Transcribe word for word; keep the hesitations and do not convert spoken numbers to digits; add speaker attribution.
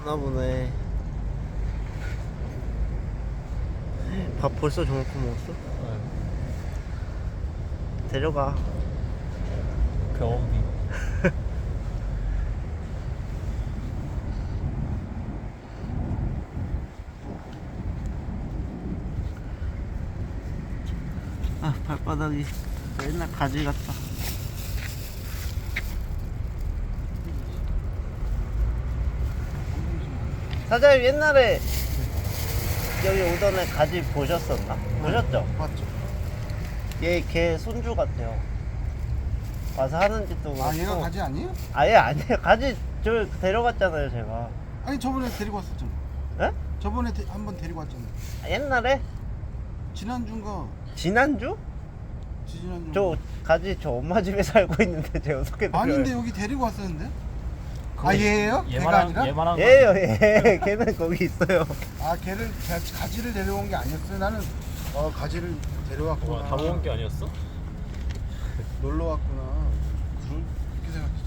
Speaker 1: 나 보네. 밥 벌써 저만큼 먹었어?
Speaker 2: 네.
Speaker 1: 데려가.
Speaker 2: 경험비.
Speaker 1: 아, 발바닥이 옛날 가지 같다. 사장님 옛날에 여기 오던 애 가지 보셨었나? 보셨죠?
Speaker 3: 맞죠?
Speaker 1: 얘 걔 손주 같아요. 와서 하는 짓도 그렇고.
Speaker 3: 아 얘가 가지 아니에요?
Speaker 1: 아예 아니에요. 가지 저 데려갔잖아요 제가.
Speaker 3: 아니 저번에 데리고 왔었잖아.
Speaker 1: 에?
Speaker 3: 저번에 데, 한번 데리고 왔잖아.
Speaker 1: 아, 옛날에?
Speaker 3: 지난주인가
Speaker 1: 지난주?
Speaker 3: 지지난주.
Speaker 1: 저 가지 저 엄마 집에 살고 있는데 제가 소개드려요.
Speaker 3: 아닌데 여기 데리고 왔었는데? 아 얘예요? 걔가
Speaker 2: 얘만한
Speaker 3: 아니라?
Speaker 2: 얘만한 거
Speaker 1: 얘요 얘. 걔는 거기 있어요.
Speaker 3: 아 걔를 가- 가지를 데려온 게 아니었어요. 나는 어 가지를 데려왔구나.
Speaker 2: 와, 다 먹은 게 아니었어?
Speaker 3: 놀러 왔구나. 그렇게 생각했어.